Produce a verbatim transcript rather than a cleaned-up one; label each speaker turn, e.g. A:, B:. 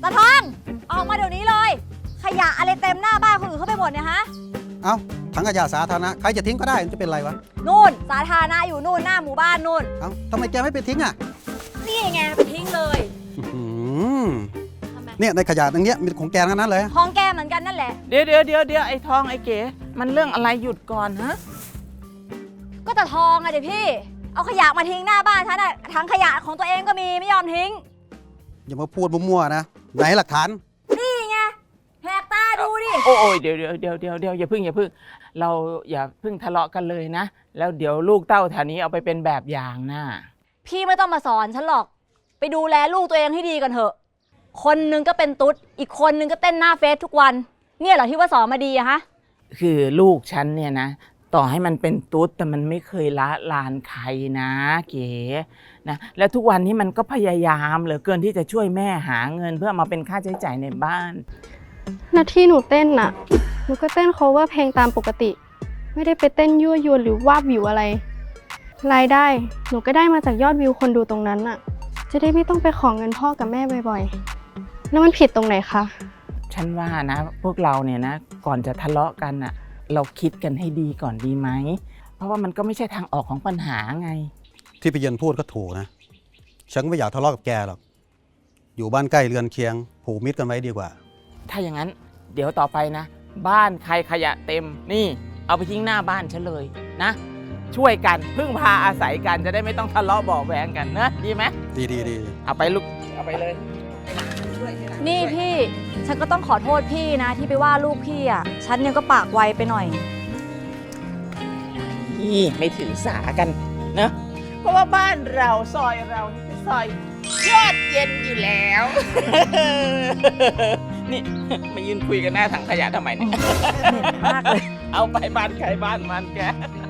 A: ตาทองออกมาเดี๋ยวนี้เลยขยะอะไรเต็มหน้าบ้านคนอื่นเขาไปหมดเนี่ยฮะ
B: เอ้าถังขยะสาธารณะใครจะทิ้งก็ได้มันจะเป็นไรวะ
A: นู่นสาธารณะอยู่นู่นหน้าหมู่บ้านนู่น
B: เอ้าทำไมแกไม่ไปทิ้งอ่ะ
A: นี่ไงไปทิ้งเลย
B: เนี่ยในขยะตรงเนี้ยมีของแกทั้งนั้นเลย
A: ของแกเหมือนกันนั่นแหละ
C: เดี๋ยวเดี๋ยวเดี๋ยวเดี๋ยวไอ้ทองไอ้เก๋มันเรื่องอะไรหยุดก่อนฮะ
A: ก็ตาทองอะเดี๋ยวพี่เอาขยะมาทิ้งหน้าบ้านฉันอะถังขยะของตัวเองก็มีไม่ยอมทิ้ง
B: อย่ามาพูดมั่วๆนะไหนหลักฐาน
A: นี่ไงแหกตาดูดิ
C: โอ้ยเดี๋ยวเดี๋ยวเดี๋ยวเดี๋ยวเดี๋ยวอย่าพึ่งอย่าพึ่งเราอย่าพึ่งทะเลาะกันเลยนะแล้วเดี๋ยวลูกเต้าแถวนี้เอาไปเป็นแบบอย่างนะ
A: พี่ไม่ต้องมาสอนฉันหรอกไปดูแลลูกตัวเองให้ดีกันเถอะคนนึงก็เป็นตุ๊ดอีกคนนึงก็เต้นหน้าเฟซทุกวันเนี่ยเหรอที่ว่าสอนมาดีอะฮะ
C: คือลูกฉันเนี่ยนะต่อให้มันเป็นตุ๊ดแต่มันไม่เคยละลานใครนะเก๋นะแล้วทุกวันนี้มันก็พยายามเหลือเกินที่จะช่วยแม่หาเงินเพื่อมาเป็นค่าใช้จ่ายในบ้าน
D: หน้าที่หนูเต้นน่ะหนูก็เต้น cover เพลงตามปกติไม่ได้ไปเต้นยั่วยวนหรือวาบวิวอะไรรายได้หนูก็ได้มาจากยอดวิวคนดูตรงนั้นน่ะจะได้ไม่ต้องไปขอเงินพ่อกับแม่บ่อยๆแล้วมันผิดตรงไหนคะ
C: ฉันว่านะพวกเราเนี่ยนะก่อนจะทะเลาะกันน่ะเราคิดกันให้ดีก่อนดีไหมเพราะว่ามันก็ไม่ใช่ทางออกของปัญหาไง
B: ที่พี่เย็นพูดก็ถูกนะฉันไม่อยากทะเลาะกับแกหรอกอยู่บ้านใกล้เรือนเคียงผูกมิตรกันไว้ดีกว่า
C: ถ้าอย่างนั้นเดี๋ยวต่อไปนะบ้านใครขยะเต็มนี่เอาไปทิ้งหน้าบ้านฉันเลยนะช่วยกันพึ่งพาอาศัยกันจะได้ไม่ต้องทะเลาะเบาะแว้งกันนะดีไหม
B: ดีดีดี
C: เอาไปลูกเอาไปเลย
A: นี่พี่ฉันก็ต้องขอโทษพี่นะที่ไปว่าลูกพี่อ่ะฉันเนี่ยก็ปากไวไปหน่อย
C: นี่ไม่ถือสากันนะเพราะว่าบ้านเราซอยเรานี่คือซอยยอดเย็นอยู่แล้วนี่มายืนคุยกันหน้าถังขยะทำไมเนี่ย
A: เหม็นมากเลย
C: เอาไปบ้านใครบ้านมันแก